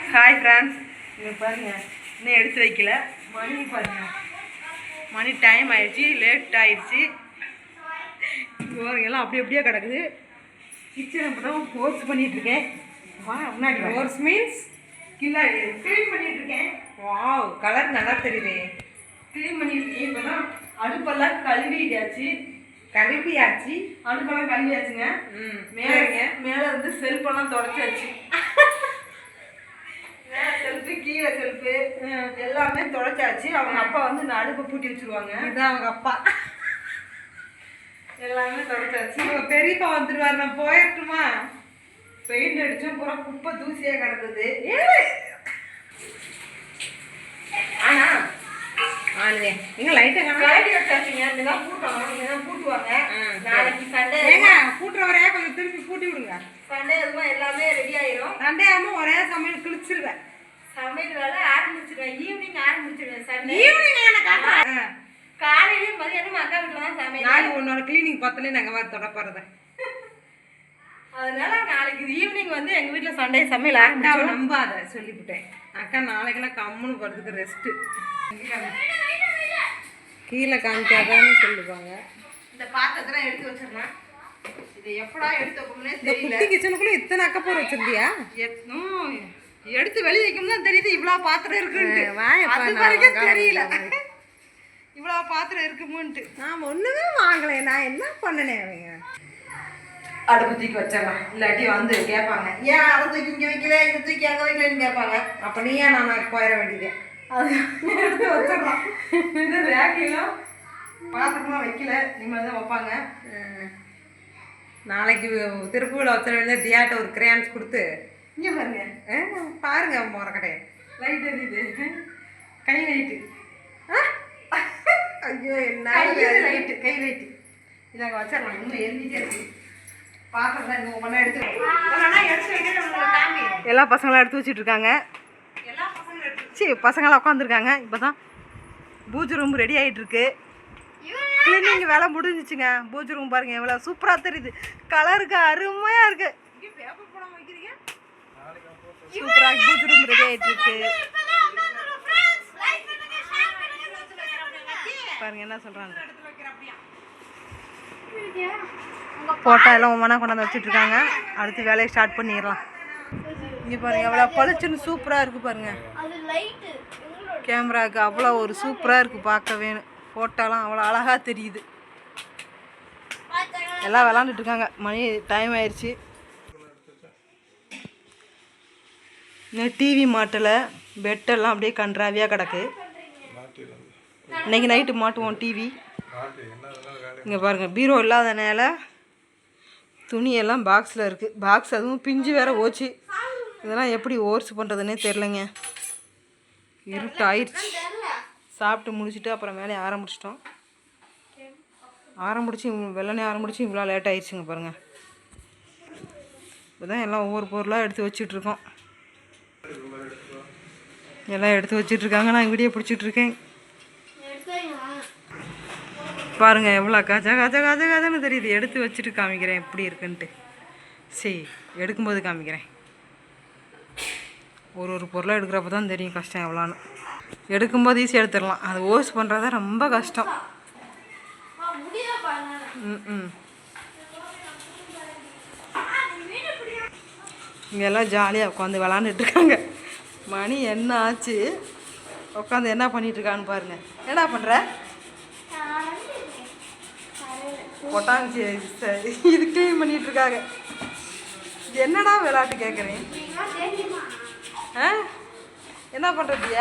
Hi friends, இங்கே பாருங்கள், இன்னும் எடுத்து வைக்கல. மணி பாருங்கள், மணி டைம் ஆயிடுச்சு, லேட் ஆயிடுச்சு. எல்லாம் அப்படி அப்படியே கிடக்குது. கிச்சன் அப்போ தான் கோர்ஸ் பண்ணிகிட்ருக்கேன். முன்னாடி கோர்ஸ் மீன்ஸ் கில்லா க்ளீன் பண்ணிகிட்ருக்கேன். வாவ், கலர் நல்லா தெரியுது. க்ளீன் பண்ணியிருக்கேன். இப்போ தான் அடுப்பெல்லாம் கழுவியாச்சு. அடுப்பெல்லாம் கழுவியாச்சுங்க. மேலே வந்து செல்ஃபெல்லாம் தொடச்சாச்சு. செல்ஃபு, கீழே செல்ஃபு எல்லாமே தொடச்சாச்சு. அவங்க அப்பா வந்து இந்த அடுப்பை பூட்டி வச்சுருவாங்க. இதுதான் அவங்க அப்பா. எல்லாமே தொடச்சாச்சு. அவங்க பெரியப்பா வந்துடுவார். நான் போயிட்டுமா? பெயிண்ட் அடித்தோம், பூரா குப்பை தூசியாக கிடக்குது. ஆனால் எங்க லைட்டாக கழட்டி வச்சாச்சுங்க. இதெல்லாம் பூட்டணும், இதெல்லாம் பூட்டுவாங்க. நாளைக்கு சண்டே பூட்டுறவரே கொஞ்சம் திருப்பி பூட்டி விடுங்க. சண்டே எதுவும் எல்லாமே ரெடி ஆயிரும். சண்டே ஆகாமல் ஒரே சமையல் கிழிச்சிருவேன். சமையல் வேலை ஆரம்பிச்சிருவேன். ஈவினிங் ஆரம்பிச்சிருவேன். சண்டே ஈவினிங் காலையிலேயும் மதியானம் அக்கா வீட்டில் தான் சமையல். நாளைக்கு உன்னோட கிளீனிங் பத்தலே நாங்கள் வர தொடப்படுறத. அதனால நாளைக்கு ஈவினிங் வந்து எங்கள் வீட்டில் சண்டே சமையல் ஆரம்பிச்சோம். நம்பாத சொல்லிவிட்டேன். அக்கா நாளைக்கெல்லாம் கம்முன்னு படுறதுக்கு ரெஸ்ட்டு. கீழே காமிக்காதான்னு சொல்லுவாங்க. இந்த பாத்திரத்தெல்லாம் எடுத்து வச்சிடலாம். இது எப்படா எடுத்து வைக்கணும்னே தெரியல. கிச்சனுக்குள்ளே இத்தனை அக்கப்போர் வச்சிருந்தியா? எடுத்து வெளியே வைக்கணும் தான் தெரியுது. இவ்வளோ பாத்திரம் இருக்குன்ட்டு அது வரைக்கும் தெரியல. இவ்வளோ பாத்திரம் இருக்குமுன்ட்டு நான் ஒன்றுமே வாங்கலை. நான் என்ன பண்ணினேன்? அவங்க அடுப்பு தூக்கி வச்சிடலாம். இல்லாட்டி வந்து கேட்பாங்க, ஏன் அதை தூக்கி இங்கே வைக்கல, இதை தூக்கி அங்கே வைக்கலன்னு கேட்பாங்க. அப்போ நீ ஏன் நான் போயிட வேண்டியது? அது எடுத்து வச்சிடலாம். இந்த ரேக்கையும் பாத்திரமா வைக்கல, இனிமேல் தான் வைப்பாங்க. நாளைக்கு திருப்பூரில் வச்சிட வேண்டிய தியாட்ட ஒரு கிரேன்ஸ் கொடுத்து இங்கே பாருங்க. பாருங்க முறக்கடையை லைட் எரியுது. கை லைட்டு. ஐயோ என்ன லைட்டு, கை லைட்டு. இதை அங்கே வச்சிடலாம். இன்னும் எரிஞ்சிட்டே இருக்கு. பாத்திரம் தான் இன்னும் ஒன்றா எடுத்து எல்லா பசங்களாம் எடுத்து வச்சுட்டு இருக்காங்க. பசங்களாம் உட்காந்துருக்காங்க. இப்போ தான் பூஜை ரூம் ரெடி ஆகிட்டு இருக்கு. கிளீனிங் வேலை முடிஞ்சிச்சுங்க. பூஜை ரூம் பாருங்க எவ்வளோ சூப்பராக தெரியுது. கலருக்கு அருமையாக இருக்கு. சூப்பராக பூஜை ரூம் ரெடி ஆகிட்டு இருக்கு. பாருங்க என்ன சொல்கிறாங்க. ஃபோட்டோ எல்லாம் ஒவ்வொன்றா கொண்டாந்து வச்சுட்டு இருக்காங்க. அடுத்து வேலையை ஸ்டார்ட் பண்ணிடலாம். இங்கே பாருங்க எவ்வளோ பளிச்சுன்னு சூப்பராக இருக்குது பாருங்க. கேமராவுக்கு அவ்வளோ ஒரு சூப்பராக இருக்குது பார்க்கவே. ஃபோட்டோலாம் அவ்வளோ அழகாக தெரியுது. எல்லாம் விளாண்டுட்டு இருக்காங்க. மணி டைம் ஆயிடுச்சு. இன்னும் டிவி மாட்டலை. பெட்டெல்லாம் அப்படியே கன்றாவியாக கிடக்கு. இன்னைக்கு நைட்டு மாட்டுவோம் டிவி. இங்கே பாருங்கள் பீரோ இல்லாதனால துணியெல்லாம் பாக்ஸில் இருக்குது. பாக்ஸ் அதுவும் பிஞ்சு வேறு ஓச்சு. இதெல்லாம் எப்படி ஓர்ஸ் பண்ணுறதுன்னே தெரிலங்க. இருட்டு ஆயிடுச்சு. சாப்பிட்டு முடிச்சுட்டு அப்புறம் வேலையை ஆரம்பிச்சிட்டோம். வெள்ளனே ஆரம்பிச்சு இவ்வளோ லேட் ஆயிடுச்சுங்க பாருங்கள். இப்போ தான் எல்லாம் ஒவ்வொரு பொருளாக எடுத்து வச்சிட்ருக்கோம். எல்லாம் எடுத்து வச்சிட்ருக்காங்க. நான் வீடியோ பிடிச்சிட்ருக்கேன். பாருங்கள் எவ்வளோ கஜன்னு தெரியுது. எடுத்து வச்சுட்டு காமிக்கிறேன் எப்படி இருக்குன்ட்டு. சரி, எடுக்கும்போது காமிக்கிறேன். ஒரு பொருளாக எடுக்கிறப்ப தான் தெரியும் கஷ்டம் எவ்வளோன்னு. எடுக்கும்போது ஈஸியாக எடுத்துடலாம். அது ஓஸ் பண்ணுறது ரொம்ப கஷ்டம். இங்கெல்லாம் ஜாலியாக உட்காந்து விளாண்டுட்ருக்காங்க. மணி என்ன ஆச்சு? உட்காந்து என்ன பண்ணிகிட்ருக்கான்னு பாருங்கள். என்ன பண்ணுற? கொட்டாஞ்சி இது க்ளீன் பண்ணிகிட்ருக்காங்க. என்னடா விளையாட்டு கேட்குறேன்? என்ன பண்ணுறதியா?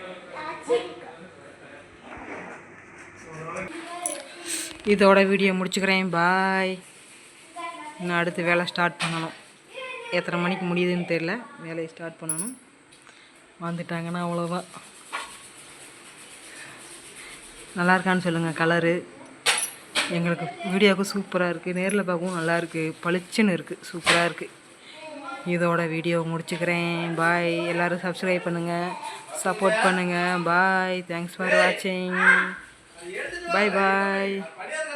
இதோட வீடியோ முடிச்சுக்கிறேன். பாய். இன்னும் அடுத்து வேலை ஸ்டார்ட் பண்ணணும். எத்தனை மணிக்கு முடியுதுன்னு தெரில. வேலையை ஸ்டார்ட் பண்ணணும். வந்துட்டாங்கன்னா அவ்வளோதான். நல்லா இருக்கான்னு சொல்லுங்கள். கலரு எங்களுக்கு வீடியோவுக்கு சூப்பராக இருக்குது. நேரில் பார்க்கவும் நல்லாயிருக்கு. பளிச்சுன்னு இருக்குது. சூப்பராக இருக்குது. இதோட வீடியோ முடிச்சுக்கிறேன். பாய். எல்லோரும் சப்ஸ்கிரைப் பண்ணுங்கள், சப்போர்ட் பண்ணுங்கள். பாய். தேங்க்ஸ் ஃபார் வாட்சிங். பாய் பாய்.